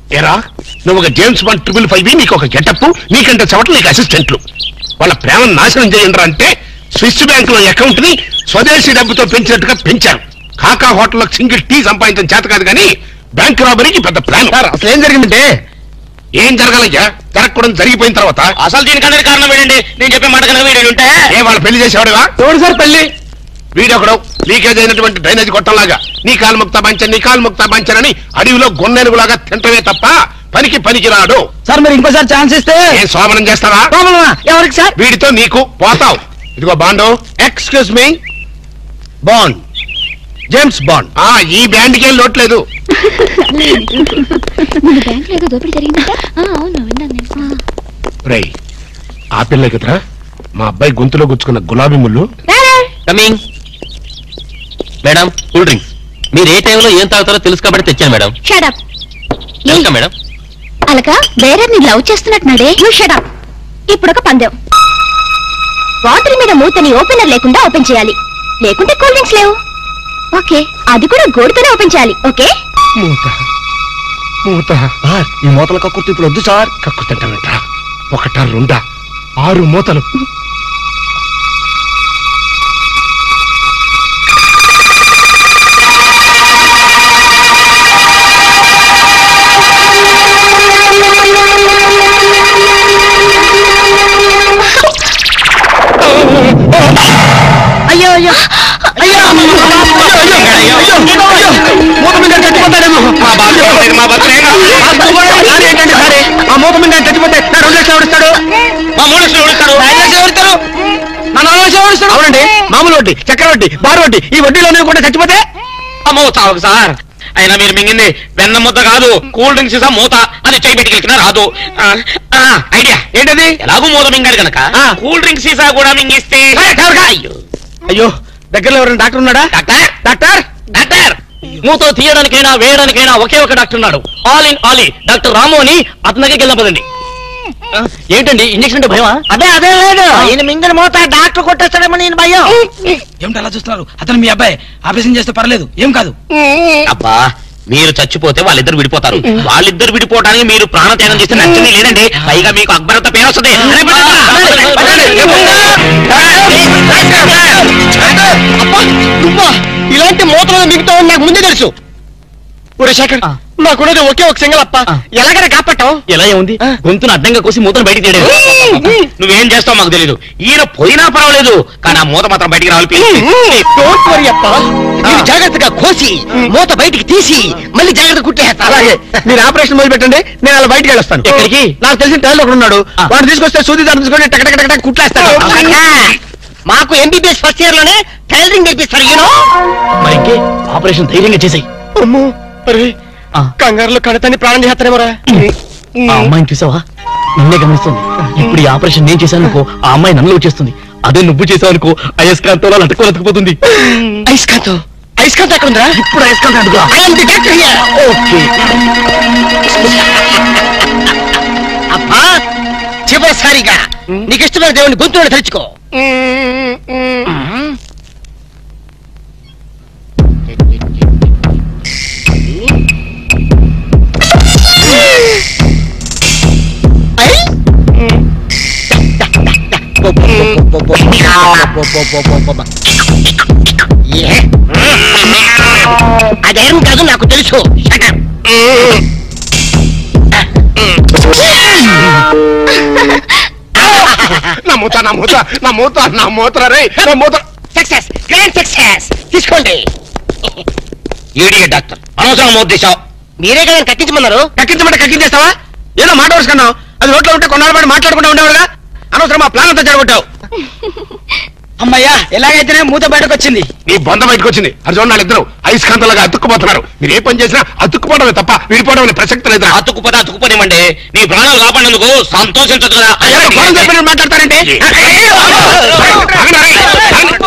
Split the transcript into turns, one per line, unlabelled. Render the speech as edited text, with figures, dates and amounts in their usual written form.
ఏరా నువ్వు ఒక జేమ్స్ బాండ్ 555 నీకు ఒక గెటప్, నీకంటే చవట నీకు అసిస్టెంట్లు. వాళ్ళ ప్రేమను నాశనం చేయండి అంటే స్విస్ బ్యాంక్ లో అకౌంట్ ని స్వదేశీ డబ్బుతో పెంచినట్టుగా పెంచారు. కాకా హోటల్లో సింగిల్ టీ సంపాదించడం చేత కాదు కానీ బ్యాంక్ రాబరీకి పెద్ద ప్లాన్.
అసలు ఏం జరిగిందంటే
ఏం జరగాలయ్యా? జరగకూడదు జరిగిపోయిన తర్వాత
అసలు దీనికన్నా కారణం ఏంటండి? నేను చెప్పే మాట కనుక వీడు ఉంటే
ఏ వాళ్ళు పెళ్లి చేసేవాడుగా?
ఎవడు సార్ పెళ్లి?
వీడొకడు లీకేజ్ అయినటువంటి డ్రైనేజ్ కొట్టంలాగా నీ కాలు ముక్తా పంచన్ నీ కాలు ముక్తా పంచన్ అని అడవిలో గొన్నెనుగులాగా తింటమే తప్ప పనికి రాడు.
సార్ మీరు ఇంకోసారి ఛాన్స్ ఇస్తే
ఏం సోమనం చేస్తావా?
ఎవరికి సార్?
వీడితో నీకు పోతావు. ఇదిగో bond.
Excuse me, Bond, James Bond.
ఈ బ్యాండ్కి ఏం లోట్లేదు. రేయ్ ఆ పిల్ల కదరా మా అబ్బాయి గొంతులో గుచ్చుకున్న గులాబీ ముళ్ళు.
Coming madam, cool drinks. మీరు ఏ టైంలో ఏం తాగుతారో తెలుసు కాబట్టి తెచ్చాను మేడం.
షడప్.
Welcome madam.
అలక వేరే నీ లవ్ చేస్తున్నట్టున్నాడే. You shut up. ఇప్పుడు ఒక పందెం. బాటిల్ మీద మూతని ఓపెనర్ లేకుండా ఓపెన్ చేయాలి, లేకుంటే కూల్ డ్రింక్స్ లేవు. ఓకే, అది కూడా గోడుతోనే ఓపెన్ చేయాలి. ఓకే?
మూత
ఈ మూతల కక్కుర్తి ఇప్పుడు వద్దు సార్.
కక్కుతంటావేంట? 1 2 6 మూతలు.
అయ్యో అయ్యో అయ్యో మూత మీద చచ్చిపోతాడేమో. ఏంటంటే సరే ఆ మూత మీద చచ్చిపోతే 2 లక్షలు ఎవరిస్తాడు?
మా 3 లక్షలు ఎవరిస్తారు?
5 లక్షలు ఎవరిస్తారు? నా 4 లక్షలు ఎవరిస్తాడు? అవునండి, మామూలు వడ్డీ, చక్కెర వడ్డీ, బారు వడ్డీ, ఈ వడ్డీలోనే కూడా చచ్చిపోతే
అమ్మో చావు సార్. అయినా మీరు మింగింది వెన్న ముద్ద కాదు, కూల్ డ్రింక్స్ ఇసా మూత. అది చేయి పెట్టుకెళ్ళినా రాదు. ఐడియా
ఏంటది?
ఎలాగూ మూత మింగాడు కనుక కూల్ డ్రింక్స్ సీసా కూడా మింగిస్తే.
అయ్యో దగ్గరలో ఎవరైనా డాక్టర్ ఉన్నాడా?
డాక్టర్
డాక్టర్
డాక్టర్ మూత తీయడానికైనా వేయడానికైనా ఒకే ఒక డాక్టర్ ఉన్నాడు. All in all doctor Ramu అని అతని దగ్గరికి వెళ్దాం పదండి. ఏంటండి ఇంజక్షన్ అంటే భయమా?
అదే లేదు, ఈయన మింగిన మూత డాక్టర్ కొట్టేస్తాడేమో నేను భయం. ఏమిటి అలా చూస్తున్నారు? అతను మీ అబ్బాయి, ఆపరేషన్ చేస్తే పర్లేదు, ఏం కాదు.
అబ్బా మీరు చచ్చిపోతే వాళ్ళిద్దరు విడిపోతారు. వాళ్ళిద్దరు విడిపోవడానికి మీరు ప్రాణత్యాగం చేస్తే నచ్చని లేదండి. పైగా మీకు అక్బరంత పేరు వస్తుంది.
ఇలాంటి మూతలు మిగతా నాకు ముందే తెలుసు. ఒరే శేఖర్, నాకున్నది ఒకే ఒక సింగల్ అప్ప, ఎలాగైనా కాపాటం.
ఎలా ఉంది? గొంతును అడ్డంగా కోసి మూతను బయటికి తీయలేదు. నువ్వేం చేస్తావు మాకు తెలీదు. ఈయన పోయినా పర్వాలేదు, కానీ ఆ మూత మాత్రం బయటికి రావాలి.
జాగ్రత్తగా కోసి మూత బయటికి తీసి మళ్ళీ జాగ్రత్త కుట్టేస్తా. అలాగే మీరు ఆపరేషన్ మొదలు పెట్టండి, నేను అలా బయటికి వెళ్ళొస్తాను.
ఎక్కడికి?
నాకు తెలిసిన టైలర్ ఒకడు ఉన్నాడు, వాడు తీసుకొస్తే సూది దాన్ని తీసుకొని టక్ కుట్లేస్తాడు. మాకు ఎంబీబీఎస్ ఫస్ట్ ఇయర్ లోనే టైలరింగ్ నేర్పిస్తారు.
మరి ఇంకే ఆపరేషన్ ధైర్యంగా చేసాయి.
అమ్మో కంగారులో కడతాన్ని ప్రాణం చేస్తారేమోరా.
ఆ అమ్మాయిని చూసావా? నిన్నే గమనిస్తుంది. ఇప్పుడు ఈ ఆపరేషన్ నేను చేశాను అనుకో, ఆ అమ్మాయి నన్ను వచ్చేస్తుంది. అదే నువ్వు చేసావు అనుకో, అయస్కాంతో అతుక్కుపోతుంది.
అయస్కాంతం ఎక్కడ ఉందా?
ఇప్పుడు అయస్కాంతం అడుగు.
అబ్బా చివరిసారిగా నీకు ఇష్టమైన దేవుని గొంతుని తెరుచుకో. అదేం కాదు నాకు తెలుసు. Success, grand success. తీసుకోండి.
ఈడియట్ డాక్టర్ అనవసరం మోత తీసావు.
మీరే కదా కక్కించమన్నారు. కక్కించమంటే కక్కించేస్తావా? ఏదో మాట వరుసుకున్నావు, అది రోడ్లో ఉంటే కొన్నాళ్ళ పాటు మాట్లాడుకుంటూ ఉండేవాడుగా. అనవసరం మా ప్లాన్ అంతా జరగొట్టావు. అమ్మయ్యా, ఎలాగైతేనే మూత బయటకు వచ్చింది.
నీ బొంద బయటకు వచ్చింది. అది చూడండి, వాళ్ళిద్దరు అయస్కాంతలాగా అతుక్కుపోతున్నారు. మీరు ఏ పని చేసినా అతుక్కుపోవడమే తప్ప విడిపోవడం అనే ప్రసక్తి లేదు.
అతుక్కుపోనివ్వండి. నీ ప్రాణాలు కాపాడేందుకు సంతోషించదు కదా.
మాట్లాడతారంటే